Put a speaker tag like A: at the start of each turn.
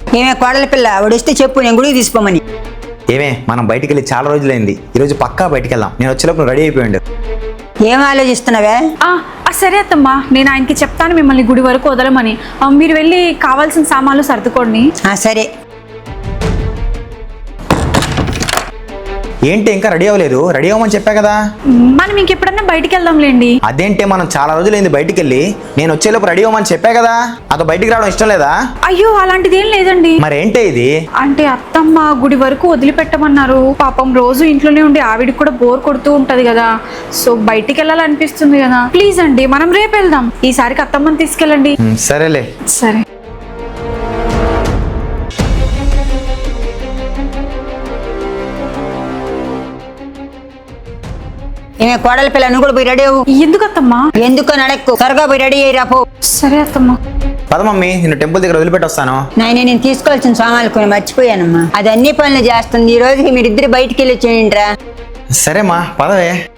A: ఏమే కోడల పిల్ల వాడిస్తే చెప్పు, నేను గుడికి తీసుకోమని.
B: ఏమే మనం బయటికి వెళ్ళి చాలా రోజులైంది, ఈరోజు పక్కా బయటికి వెళ్దాం. నేను వచ్చేలోపు రెడీ అయిపోయాడు.
A: ఏం ఆలోచిస్తున్నావే?
C: సరే అత్తమ్మా, నేను ఆయనకి చెప్తాను మిమ్మల్ని గుడి వరకు వదలమని. మీరు వెళ్ళి కావాల్సిన సామాన్లు సర్దుకోండి.
A: సరే.
B: ఏంటి ఇంకా రెడీ అవ్వలేదు? రెడీ అవ్వమని చెప్పా కదా.
C: మనం ఇంకెప్పుడన్నా బయటికి వెళ్దాంలేండి.
B: అదేంటే మనం చాలా రోజులైంది బయటికి వెళ్ళి. నేను వచ్చేలోపు రెడీ అవ్వమని చెప్పా కదా. అదో బయటికి రావడం ఇష్టం లేదా?
C: అయ్యో అలాంటిది ఏం లేదండి.
B: మరేంటే ఇది?
C: అంటే అత్తమ్మ గుడి వరకు వదిలిపెట్టమన్నారు. పాపం రోజు ఇంట్లోనే ఉండి ఆవిడికి కూడా బోర్ కొడుతూ ఉంటది కదా, సో బయటికి వెళ్ళాలనిపిస్తుంది కదా. ప్లీజ్ అండి, మనం రేపు వెళ్దాం. ఈసారికి అత్తమ్మని తీసుకెళ్ళండి.
B: సరేలే.
C: సరే.
A: ఏమే కోడల పిల్ల, నువ్వు కూడా పోయి రెడీ అవ్వు.
C: ఎందుకు అత్తమ్మా?
A: ఎందుకో నడక్కు, త్వరగా పోయి రెడీ అయ్యి రాపో.
C: సరే అత్తమ్మా.
B: పద మమ్మీ, నిన్ను టెంపుల్ దగ్గర వదిలిపెట్టి వస్తాను.
A: నేను తీసుకోవాల్సిన సామాన్లు కొన్ని మర్చిపోయానమ్మా. అది అన్ని పనులు చేస్తుంది. ఈ రోజుకి మీరిద్దరు బయటికి వెళ్ళి వచ్చేయండిరా.
B: సరేమ్మా పదవే.